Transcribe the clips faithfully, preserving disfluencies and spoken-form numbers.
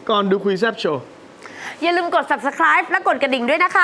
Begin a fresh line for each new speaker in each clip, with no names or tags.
ก่อนดูคุยแซบโชว์
อย่าลืมกด ซับสไครบ์ และกดกระดิ่งด้วยนะคะ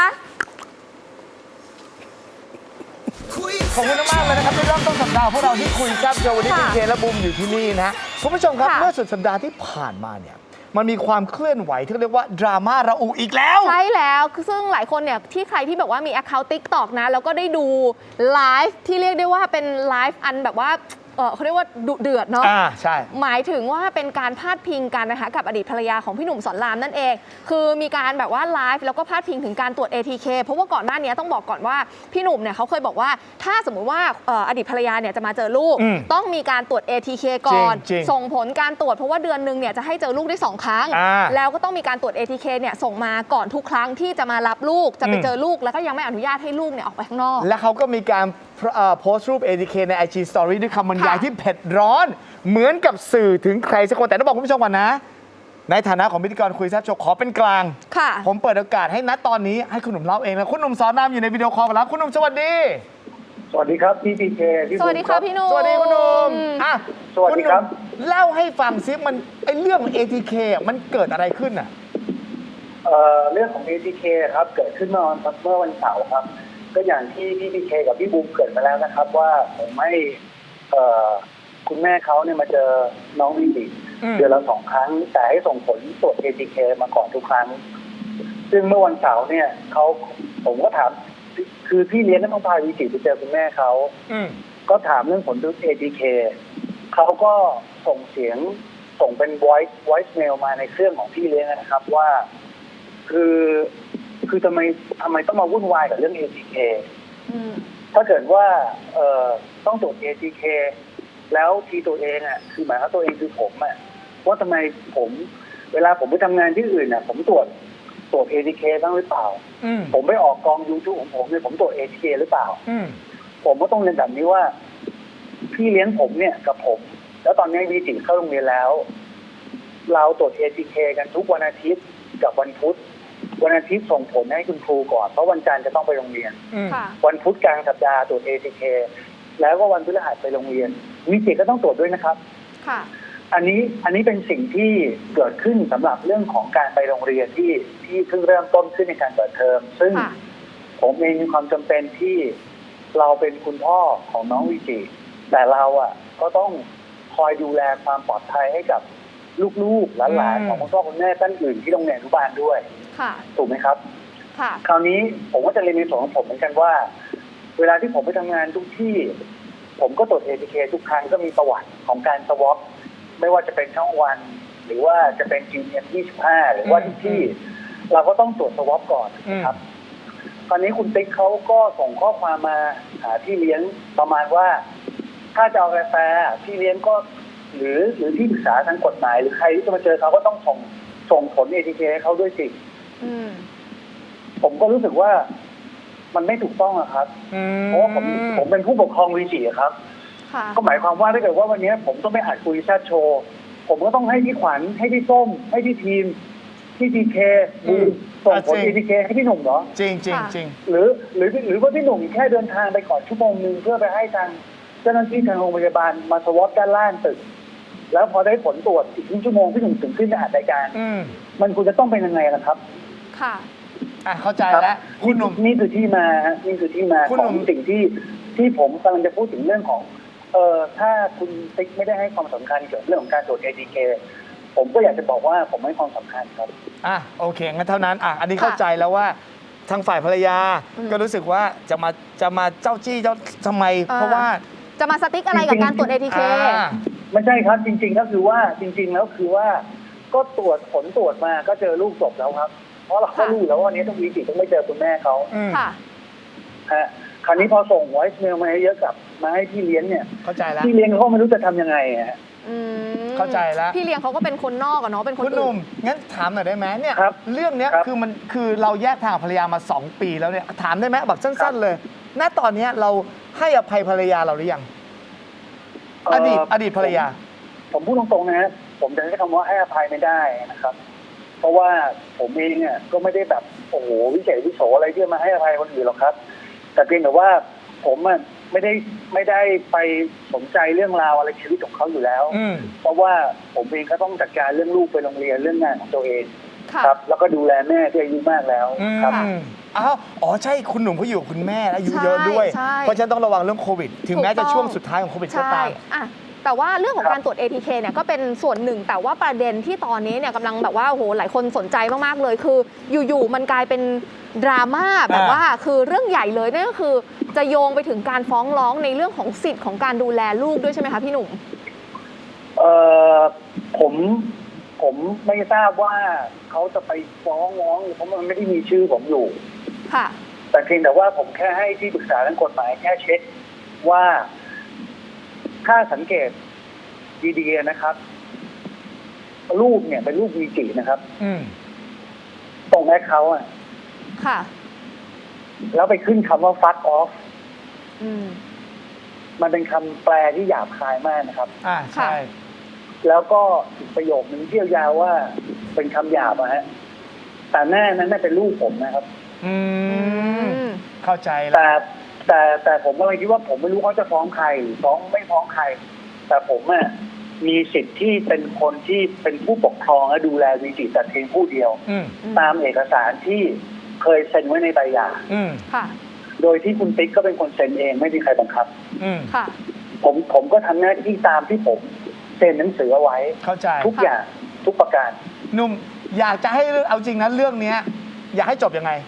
ขอบคุณมากเลยนะครับที่เริ่มต้นสัปดาห์พวกเราที่คุยแซบโชว์วันนี้คุณเคและบูมอยู่ที่นี่นะคุณผู้ชมครับเมื่อสุดสัปดาห์ที่ผ่านมาเนี่ยมันมีความเคลื่อนไหวที่เรียกว่าดราม่าระอุอีกแล้ว
ใช่แล้วซึ่งหลายคนเนี่ยที่ใครที่แบบว่ามี Account ติ๊กต็อก นะแล้วก็ได้ดูไลฟ์ที่เรียกได้ว่าเป็นไลฟ์อันแบบว่าเออเขาเรียกว่าดุเดือดเนาะ
อ่าใช่
หมายถึงว่าเป็นการพาดพิงกันนะคะกับอดีตภรรยาของพี่หนุ่มสอนรามนั่นเองคือมีการแบบว่าไลฟ์แล้วก็พาดพิงถึงการตรวจ เอ ที เค เพราะว่าก่อนหน้านี้ต้องบอกก่อนว่าพี่หนุ่มเนี่ยเขาเคยบอกว่าถ้าสมมุติว่าอดีตภรรยาเนี่ยจะมาเจอลูกต้องมีการตรวจ เอ ที เค ก่อนส่งผลการตรวจเพราะว่าเดือนนึงเนี่ยจะให้เจอลูกได้สองครั้งแล้วก็ต้องมีการตรวจ เอ ที เค เนี่ยส่งมาก่อนทุกครั้งที่จะมารับลูกจะไปเจอลูกแล้วก็ยังไม่อนุญาตให้ลูกเนี่ยออกไปข้างนอก
และเขาก็มีการโพสต์รูป เอ ที เค ใน ไอ จี Story ด้วยคำบรรยายที่เผ็ดร้อนเหมือนกับสื่อถึงใครสักคนแต่ต้องบอกคุณผู้ชมก่อนนะในฐานะของพิธีกรคุยแซ่บโชว์ขอเป็นกลาง
ค่ะ
ผมเปิดโอกาสให้นัดตอนนี้ให้คุณหนุ่มเล่าเองนะคุณหนุ่มสอนรามอยู่ในวิดีโอคอลแล้วคุณหนุ่มสวัสดี
สวัสดีครับพี่พีเค
สวัสดีครับพี่หนุ่ม
สวัสดีคุณหนุ่มอ่ะ
สวัสดีครับ
เล่าให้ฟังซิมันไอเรื่อง เอ ที เค มันเกิดอะไรขึ้นอ่ะ
เอ่อเรื่องของ เอ ที เค ครับเกิดขึ้นเมื่อวันเมื่อวันเสาร์ครับก็อย่างที่พี่พีเคกับพี่บูมเกิดมาแล้วนะครับว่าผมให้เอ่อคุณแม่เขาเนี่ยมาเจอน้องวิจิเดือนละสองครั้งแต่ให้ส่งผลตรวจ เอ ที เค มาก่อนทุกครั้งซึ่งเมื่อวันเสาร์เนี่ยเขาผมก็ถามคือพี่เลี้ยงต้องพาวิจิไปเจอคุณแม่เขาก็ถามเรื่องผลตรวจ เอ ที เค เขาก็ส่งเสียงส่งเป็น voice voice mail มาในเครื่องของพี่เลี้ยงนะครับว่าคือคือทำไมทำไมต้องมาวุ่นวายกับเรื่อง เอ ที เค ถ้าเกิดว่าเอ่อต้องตรวจ เอ ที เค แล้วทีตัวเองอ่ะคือหมายว่าตัวเองคือผมอ่ะว่าทำไมผมเวลาผมไปทำงานที่อื่นอ่ะผมตรวจตรวจ เอ ที เค บ้างหรือเปล่าผมไปออกกอง YouTube ของผมเนี่ยผมตรวจ เอ ที เค หรือเปล่าผมก็ต้องเรียนแบบนี้ว่าพี่เลี้ยงผมเนี่ยกับผมแล้วตอนนี้วีจิเข้าโรงเรียนแล้วเราตรวจ เอ ที เค กันทุกวันอาทิตย์กับวันพุธวันอาทิตย์ส่งผลให้คุณครูก่อนเพราะวันจันทร์จะต้องไปโรงเรียนวันพุธกลางสัปดาห์ตรวจ เอ ที เค แล้วก็วันพฤหัสไปโรงเรียนวิจิก็ต้องตรวจด้วยนะครับ
ค่ะ
อันนี้อันนี้เป็นสิ่งที่เกิดขึ้นสำหรับเรื่องของการไปโรงเรียนที่ที่เพิ่งเริ่มต้นขึ้นในการเปิดเทอมซึ่งผมเองมีความจำเป็นที่เราเป็นคุณพ่อของน้องวิจิแต่เราอ่ะก็ต้องคอยดูแลความปลอดภัยให้กับลูกๆหลานๆของคุณพ่อคุณแม่ท่านอื่นที่โรงเรียนอนุบาลด้วยถูกไหมครับคราวนี้ผมก็จะเรียนในส่วนของผมเหมือนกันว่าเวลาที่ผมไปทำงานทุกที่ผมก็ตรวจ เอ ที เค ทุกครั้งก็มีประวัติของการสวอปไม่ว่าจะเป็นช่องวันหรือว่าจะเป็น จี เอ็ม ยี่สิบห้าหรือว่าทุกที่เราก็ต้องตรวจสวอปก่อนนะครับตอนนี้คุณติ๊กเขาก็ส่งข้อความมาหาพี่เลี้ยงประมาณว่าถ้าจะเอากาแฟพี่เลี้ยงก็หรือหรือที่ปรึกษาทางกฎหมายหรือใครที่จะมาเจอเขาก็ต้องส่งส่งผล เอ ที เค ให้เขาด้วยสิผมก็รู้สึกว่ามันไม่ถูกต้องอะครับเพราะว่าผมผมเป็นผู้ปกครองวีจีครับก็หมายความว่าถ้าเกิดว่าวันนี้ผมต้องไปอัดคุยแซดโชว์ผมก็ต้องให้พี่ขวัญให้พี่ส้มให้พี่ทีมพี่ทีเคบูส่งผล เอ ที เค ให้พี่หนุ่มเหรอ
จริงจริงจริง
หรือหรือหรือว่าพี่หนุ่มแค่เดินทางไปก่อนชั่วโมงนึงเพื่อไปให้ทางเจ้าหน้าที่ทางโรงพยาบาลมาสวอปด้านล่างตึกแล้วพอได้ผลตรวจอีกครึ่งชั่วโมงพี่หนุ่มถึงขึ้นมาอัดรายการมันควรจะต้องเป็นยังไงล่ะครับ
ค่ะ
อ่ะเข้าใจแล้ว
คุณหนุ่มนี่คือที่มานี่คือที่มาของสิ่งที่ที่ผมกำลังจะพูดถึงเรื่องของเอ่อถ้าคุณติ๊กไม่ได้ให้ความสำคัญเกี่ยวกับเรื่องของการตรวจ เอ ที เค ผมก็อยากจะบอกว่าผมให้ความสำคัญครับ
อ่ะโอเคงั้นเท่านั้นอ่ะอันนี้เข้าใจแล้วว่าทางฝ่ายภรรยาก็รู้สึกว่าจะมาจะมาเจ้าจี้เจ้าทำไมเพราะว่า
จะมาสติ๊กอะไรกับการตรวจ เอ ที เค
ไม่ใช่ครับจริงๆก็คือว่าจริงๆแล้วคือว่าก็ตรวจผลตรวจมาก็เจอลูกศพแล้วครับเพราะเราก็รู้แล้วว่าวันนี้ต้องวีจิต้องไม่เจอคุณแม่เขา
ค่ะ
ฮะคราวนี้พอส่ง voice mail มาให้เยอะกับมาให้พี่เลี้ยงเนี่ย
เข้าใจแล้ว
พี่เลี้ยงเขาไม่รู้จะทำยังไงฮะ
เข้าใจแล้ว
พี่เลี้ยงเขาก็เป็นคนนอกอะเนาะเป็นคน
คุณหนุ่มงั้นถามหน่อยได้ไหมเนี่ยเรื่องนี้คือมันคือเราแยกทางภรรยามาสองปีแล้วเนี่ยถามได้ไหมแบบสั้นๆเลยณตอนนี้เราให้อภัยภรรยาเราหรือยังอดีตอดีตภรรยา
ผมพูดตรงๆนะผมจะใช้คำว่าให้อภัยไม่ได้นะครับเพราะว่าผมเองเนี่ยก็ไม่ได้แบบโอ้โหวิเศษวิโสอะไรที่มาให้อภัยคนอื่นหรอกครับแต่เพียงแต่ว่าผมไม่ได้ไม่ได้ไปสนใจเรื่องราวอะไรชีวิตของเขาอยู่แล้ว
อืม
เพราะว่าผมเองก็ต้องจัดการเรื่องลูกไปโรงเรียนเรื่องงานของตัวเอง
ค่ะ
ครับ แล้วก็ดูแลแม่ที่อายุมากแล้ว
อืม
ครับ
อ้าวอ๋อใช่คุณหนุ่มเขาอยู่กับคุณแม่อายุ
ใช่
เยอะด้วย
ใช่
เพราะฉะนั้นต้องระวังเรื่องโควิด ถึงแม้
ถูกต้
จะ
อง
ช่วงสุดท้ายของโควิดก็
ใช่
ตาม
อะแต่ว่าเรื่องของ
ครับ
การตรวจ เอ ที เค เนี่ยก็เป็นส่วนหนึ่ง แต่ว่าประเด็นที่ตอนนี้เนี่ยกำลังแบบว่าโอ้โหหลายคนสนใจมากๆเลย คืออยู่ๆมันกลายเป็นดราม่าแบบว่าคือเรื่องใหญ่เลยนั่นก็คือจะโยงไปถึงการฟ้องร้องในเรื่องของสิทธิ์ของการดูแลลูกด้วยใช่ไหมคะพี่หนุ่ม
เอ่อผมผมไม่ทราบว่าเขาจะไปฟ้องร้องเพราะมันไม่ได้มีชื่อผมอยู่
ค่ะ
แต่เพียงแต่ว่าผมแค่ให้ที่ปรึกษาทางกฎหมายแค่เช็คว่าถ้าสังเกตดีๆนะครับรูปเนี่ยเป็นรูปวีจินะครับ
อืม
ตรงแอคเขาท์อ่ะ
ค่ะ
แล้วไปขึ้นคำว่า fuck off
อืม
มันเป็นคำแปลที่หยาบคายมากนะครับ
อ่าใช่
แล้วก็อีกประโยคนึงเที่ยวยาวว่าเป็นคำหยาบอะฮะแต่แน่นั้นน่ะเป็นลูกผมนะครับ
อื
อื
ม
ม
เข้าใจแล้ว
แต่แต่แต่ผมก็เลยคิดว่าผมไม่รู้เขาจะฟ้องใครหรือฟ้องไม่ฟ้องใคร แต่ผมอะมีสิทธิ์ที่เป็นคนที่เป็นผู้ปกครองและดูแลวีจิแต่เพียงผู้เดียว
อืม
ตามเอกสารที่เคยเซ็นไว้ในใบหย่า
อืม
ค่ะ
โดยที่คุณติ๊กก็เป็นคนเซ็นเองไม่มีใครบังคับ
อืม
ค่ะ
ผมผมก็ทำหน้าที่ตามที่ผมเซ็นหนังสือเอาไว้
เข้าใจ
ทุกอย่างทุกประการ
หนุ่มอยากจะให้เรื่องเอาจริงนะเรื่องเนี้ย อยากให้จบยังไง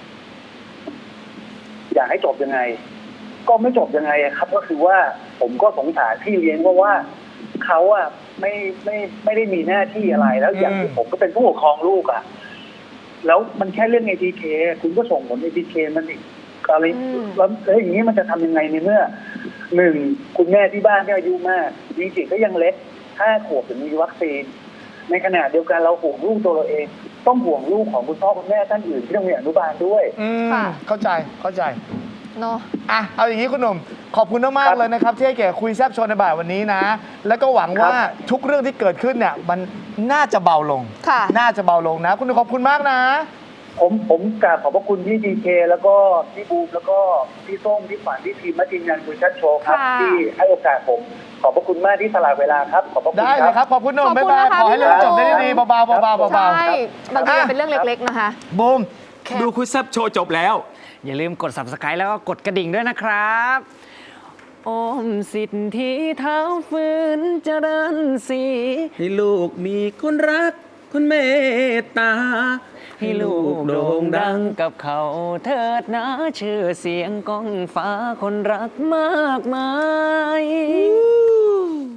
อยากให้จบยังไง ก็ไม่จบยังไงอะครับ ก็คือว่าผมก็สงสารพี่เลี้ยงเพราะว่าเขาอะไม่ไม่ไม่ได้มีหน้าที่อะไรแล้วอย่างที่
อืม
ผมก็เป็นผู้ปกครองลูกอะแล้วมันแค่เรื่อง เอ ที เค คุณก็ส่งผล เอ ที เค มันอีกอะไร
อืม
แล้วแล้วอย่างนี้มันจะทำยังไงในเมื่อหนึ่งคุณแม่ที่บ้านก็อายุมากจริงๆก็ยังเล็กห้าขวบถึงมีวัคซีน ในขณะเดียวกันเราห่วงลูกตัวเราเอง ต้องห่วงลูกของคุณพ่อคุณแม่ท่านอื่นที่โรงเรียนอนุบาลด้วย
อืม
ค่ะ
เข้าใจเข้าใจ
เนาะ
อ่ะเอาอย่างนี้คุณหนุ่มขอบคุณมาก
ครั
ๆ
บ
เลยนะครับ ที่ให้เกียรติคุยแซบโชว์ในบ่ายวันนี้นะ แล้วก็หวัง
ครับ
ว่าทุกเรื่องที่เกิดขึ้นเนี่ยมันน่าจะเบาลง
ค่ะ
น่าจะเบาลงนะ คุณหนุ่มขอบคุณมากนะ
ผมผมกราบขอบพระคุณพี่ดีเคแล้วก็พี่บูมแล้วก็พี่ส้มพี่ฝันพี่ทีมและทีมงานคุยชัดโชว์ครับ
ค่ะ
ที่ให้โอกาสผม ขอบพระคุณมากที่สละเวลาครับ ขอบพระคุณ
ได้เลยครับ ขอบคุณหนุ่ม
ขอบ
บ๊าย
คุณ
บาย
นะคะ
ขอให้เรื่อง
พี่
จบได้
หนุ่ม
ดีๆเบาๆเบาๆเบา
ใช่ บางทีมันเป็นเรื่องเล็กๆนะคะ
ๆบูม
ดูคุยแซบโชว์จบแล้ว อย่าลืมกด ซับสไครบ์ แล้วก็กดกระดิ่งด้วยนะครับโอมสิทธิเท้าฟืนเจริญศรีให้ลูกมีคนรัก คนเมตตา ให้ลูกโด่งดังกับเขาเถิดนะชื่อเสียงก้องฟ้าคนรักมากมาย